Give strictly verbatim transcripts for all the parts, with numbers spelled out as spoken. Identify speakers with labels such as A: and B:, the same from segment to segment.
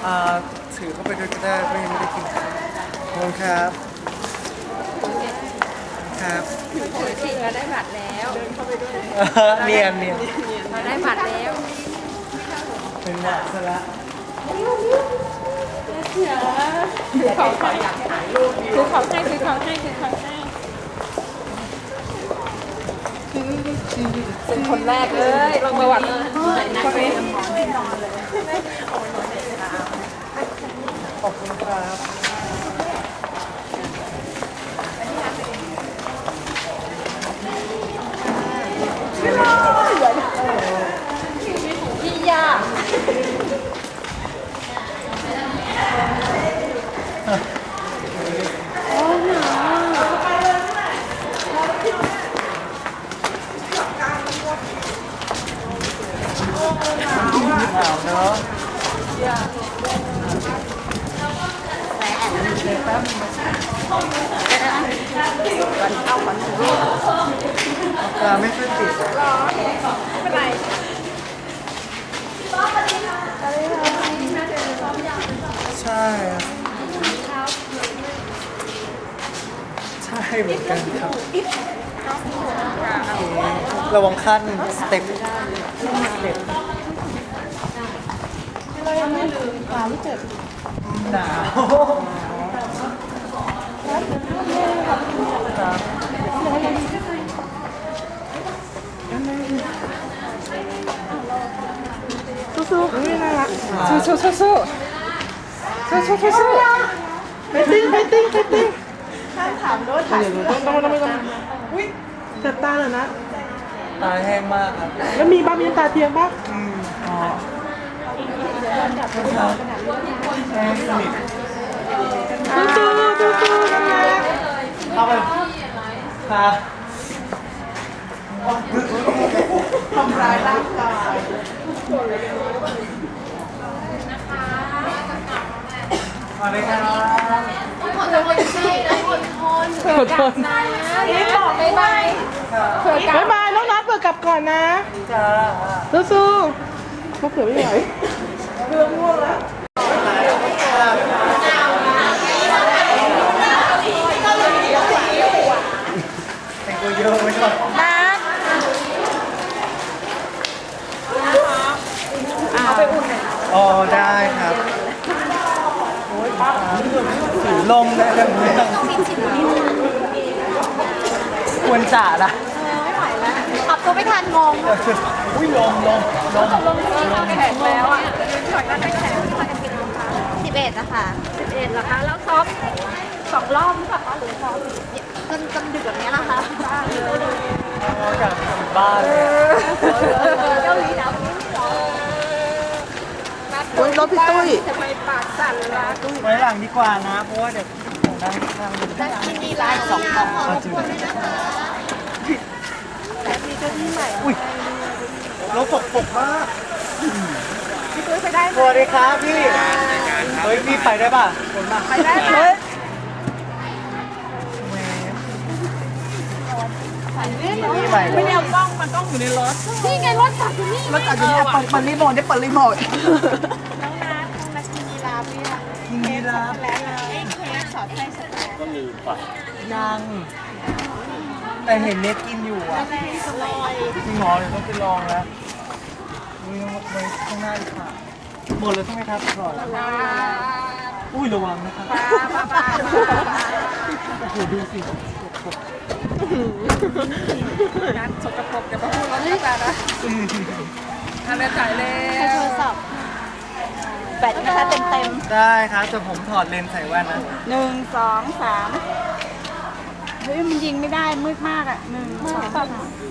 A: อ่าถือเข้าไปด้วยก็ได้ไม่ไม่ได้กินขอบคุณครับครับ
B: จริงเราได้บัตรแล้วเดินเข้าไปด้วย
A: เนียนเนียน
B: เราได้บัตรแล้ว
A: เป็นหวัดซะละ
B: ถือของขออยากถ่ายรูปถือของให้ถือของให้ถือของให้เป็นคนแรกเลยลงประวัติคนนี้
A: ขอบคุณครับ
B: พี่ยา
A: หนาวเนาะตาไม่ค่อยติด
B: ไม่เป็นไร
A: ใช่ใช่เหมือนกันครับระวังขั้นสเต็ปสเต็ปเรายังไม่ลืมความเจ็บหนาว
B: สู้ๆนี่น่ารักสู้ๆสู้ๆสู้ๆสู้ๆสู้ๆไปติ้งไปติ้งไปติ้งห้ามถามรถถ่ายต้องต้องต้องต้องอุ้ยเจ็บตาเลยนะ
A: ตาแห้งมากครับ
B: แล้วมีบ้ามีตาเทียมปะ
A: อืมอ๋อแห้งสนิท
B: สู้ๆสู้ๆนะคะ
A: เข้าไปครับ
B: ทำร้ายร่างกาย
A: สวัสดีครับ
B: อดทนใช่อดทนเผื่อกลับนะนี่บอกบ๊ายบายเผื่อกลับบ๊ายบายน้องนัทเผื่อกลับก่อนนะ
A: จ้า
B: สู้ๆเขาเผื่อไม่ไหวเรื่องง่วงแล้ว
A: แต่งตัวเยอะไม่ชอบ
B: นัทเอาไปอุ่นหน่อย
A: อ๋อได้ครับถือลมได้เรื่องเรื่องควรจ่าละ
C: ขับตัวไม่ทันงง
A: อุ้ยลมลมลม
B: ลงที่เราแข็งแล้วอ่ะช็อตนั้นแข็ง
C: สิบเอ็ดนะคะ
B: สิบเอ็ดเหรอคะแล้วซ้อมสองรอบหรือเปล่าคะหรือซ้อม
C: จนจนดึกแบบนี้นะคะ
A: อยากกลับบ้านเลย
B: เกาหลีหนาว
C: โอ้ยรถพี่ตุ้ย
B: ทำไมปากสั่นล่ะ
A: ไว้หลังดีกว่านะ เพราะว่าเดี๋ยวผมนั่งข้าง
C: จะกินดีไลน์สองกล่อง
A: เอาจริง
B: แต่มีเจ้าที่ใหม่
A: อุ้ยรถตกปกมาก
B: พี่ตุ้ยไปได้
A: สวัสดีครับพี่เฮ้ยพี่ไปได้ป่ะคนมา
B: ไปได้ไหม
A: พี่ไป
B: ไม่ได้เอากล้องมันต้องอยู่ในรถ
C: นี่ไงรถจับอยู่นี่
B: รถอาจจะเปิดเปิดรีโมทได้เปิดรีโมท
C: น้องนัทมากินดีลาพี่อะ
A: กินดีแล้ว
C: แล้วไอ้เค้กสอดไส้สแตน
A: ยัง แต่เห็นเน็ตกินอยู่อ่ะ
C: ลอย
A: จริงเหรอเดี๋ยวต้องไปลองแล้วอุ้ยไว้ข้างหน้าดีกว่าหมดเลยใช่ไหมครับอร่อยอุ้ยระวังนะครับโอ้โหดูสิ
B: งานสกปรกอย่ามาพูดรถนี่กันนะอันนี้จ่ายแล้
C: ใช้โท
B: ว
C: รศัพท์แบตนะคะเต็มเต็ม
A: ได้ครับแต่ผมถอดเลนส์ใส่แว่นนะ
C: หนึ่งสองสามเฮ้ยมันยิงไม่ได้มืดมากอ่ะหนึ่งสองสาม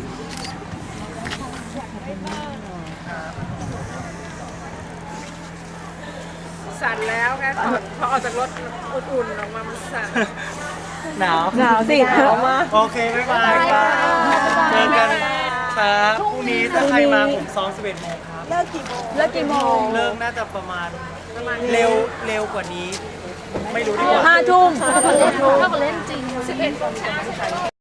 B: สั่นแล้วไงพอออกจากรถอุ่นๆออกมามันสั่น
A: หนาว
B: หนาวสิหนาวมาก
A: โอเคบ๊ายบายครับเจอกันครับพรุ่งนี้ถ้าใครมาผมซ้อมสิบเอ็ดโมงครับ
C: เลิกกี่โมง
B: แล้วกี่โมง
A: เลิกน่าจะประมาณเร็วเร็วกว่านี้ ไม่รู้ดีกว่า
B: ห้าทุ่มเท่ากับเล่นเท่ากับเล่นจริงสิบเอ็ดโมงเช้า